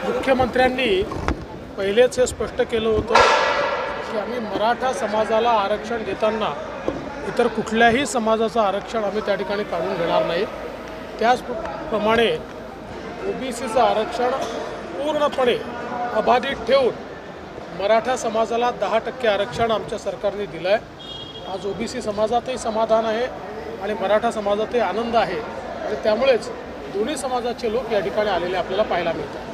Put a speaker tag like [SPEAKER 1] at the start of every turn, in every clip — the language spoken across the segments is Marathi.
[SPEAKER 1] मुख्यमंत्र्यांनी पहिलेच हे स्पष्ट केलं होतं की आम्ही मराठा समाजाला आरक्षण देताना इतर कुठल्याही समाजाचं आरक्षण आम्ही त्या ठिकाणी काढून घेणार नाही। त्याचप्रमाणे ओबीसीचं आरक्षण पूर्णपणे अबाधित ठेवून मराठा समाजाला 10% आरक्षण आमच्या सरकारने दिलं आहे। आज ओबीसी समाजातही समाधान आहे आणि मराठा समाजातही आनंद आहे आणि त्यामुळेच दोन्ही समाजाचे लोक या ठिकाणी आलेले आपल्याला पाहायला मिळतात।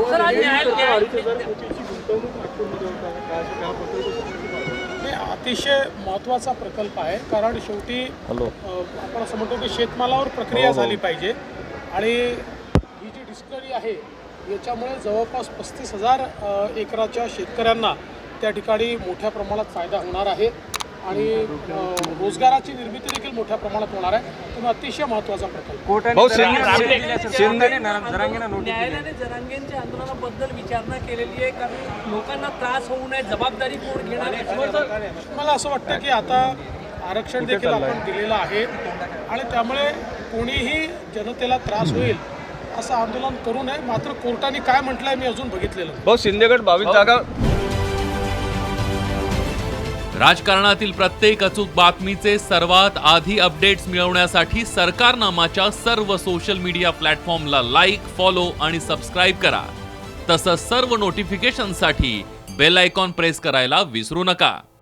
[SPEAKER 1] अतिशय महत्त्वाचा प्रकल्प आहे, कारण शेवटी आपण असं म्हणतो की शेतमालावर प्रक्रिया झाली पाहिजे आणि ही जी डिस्कवरी आहे याच्यामुळे जवळपास 35,000 एकराच्या शेतकऱ्यांना त्या ठिकाणी मोठ्या प्रमाणात फायदा होणार आहे आणि रोजगाराची निर्मिती देखील मोठ्या प्रमाणात होणार आहे। त्यामुळे अतिशय महत्त्वाचा प्रकल्प।
[SPEAKER 2] न्यायालयाने जरांगेंच्या आंदोलनाबद्दल विचारणा केलेली आहे, कारण लोकांना त्रास होऊ नये, जबाबदारी कोण घेणार आहे?
[SPEAKER 1] मला असं वाटतं की आता आरक्षण देखील आपण दिलेलं आहे आणि त्यामुळे कोणीही जनतेला त्रास होईल असं आंदोलन करू नये। मात्र कोर्टाने काय म्हटलंय मी अजून बघितलेलं
[SPEAKER 3] भाऊ शिंदेगड 22 जागा।
[SPEAKER 4] राजकारणातील प्रत्येक अचूक बातमीचे सर्वात आधी अपडेट्स मिळवण्यासाठी सरकारनामाच्या सर्व सोशल मीडिया प्लॅटफॉर्मला लाईक, फॉलो आणि सबस्क्राईब करा। तसंच सर्व नोटिफिकेशनसाठी बेल आयकॉन प्रेस करायला विसरू नका।